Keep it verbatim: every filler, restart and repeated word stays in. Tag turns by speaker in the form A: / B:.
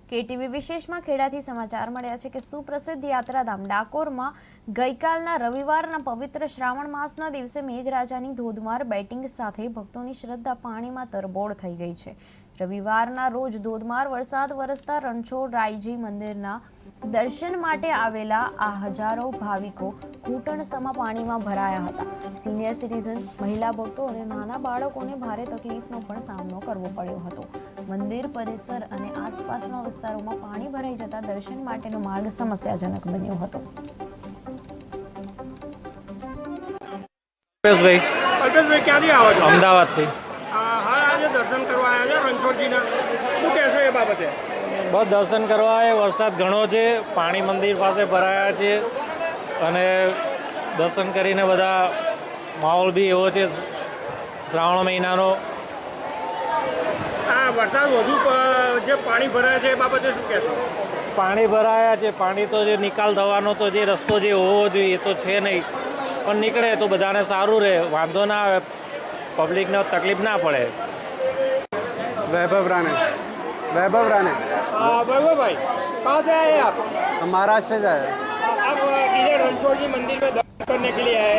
A: KTV વિશેષમાં ખેડાથી સમાચાર મળ્યા છે કે સુપ્રસિદ્ધ યાત્રાધામ ડાકોરમાં ગઈકાલના રવિવારના પવિત્ર શ્રાવણ માસના દિવસે મેઘરાજાની ધોધમાર બેટિંગ સાથે ભક્તોની શ્રદ્ધા પાણીમાં તરબોળ થઈ ગઈ છે। રવિવારના રોજ ધોધમાર વરસાદ વરસતા રણછોડરાયજી મંદિરના દર્શન માટે આવેલા આ હજારો ભાવિકો ઘૂંટણસમા પાણીમાં ભરાયા હતા। સિનિયર સિટીઝન, મહિલા ભક્તો અને નાના બાળકોને ભારે તકલીફનો પણ સામનો કરવો પડ્યો હતો। મંદિર પરિસર અને આસપાસના વિસ્તારોમાં પાણી ભરાઈ જતા દર્શન માટેનો માર્ગ સમસ્યાજનક બન્યો હતો।
B: અલ્પેશભાઈ
C: અલ્પેશભાઈ ક્યાંથી આવો છો?
B: અમદાવાદથી।
C: હા, આજે દર્શન કરવા આવ્યા છો રણછોડજીના, શું કહેશો એ બાબતે?
B: બસ દર્શન કરવા આવ્યા, વરસાદ ઘણો છે, પાણી મંદિર પાસે ભરાયા છે અને દર્શન કરીને બધા માહોલ બી એવો છે શ્રાવણ મહિનાનો।
C: હા, વરસાદ વધુ પ- જે પાણી ભરાયા છે એ બાબતે શું કહેશો?
B: પાણી ભરાયા છે, પાણી તો જે નિકાલ થવાનો તો જે રસ્તો જે હોવો જોઈએ એ તો છે નહીં, પણ નીકળે તો બધાને સારું રહે, વાંધો ના આવે, પબ્લિકને તકલીફ ના પડે।
D: वैभव राणे वैभव राणे
C: हाँ, वैभव भाई, कहाँ से आए आप?
D: हम महाराष्ट्र से आए हैं।
C: आप इधर रणछोड़ जी मंदिर में दर्शन करने के लिए आए हैं।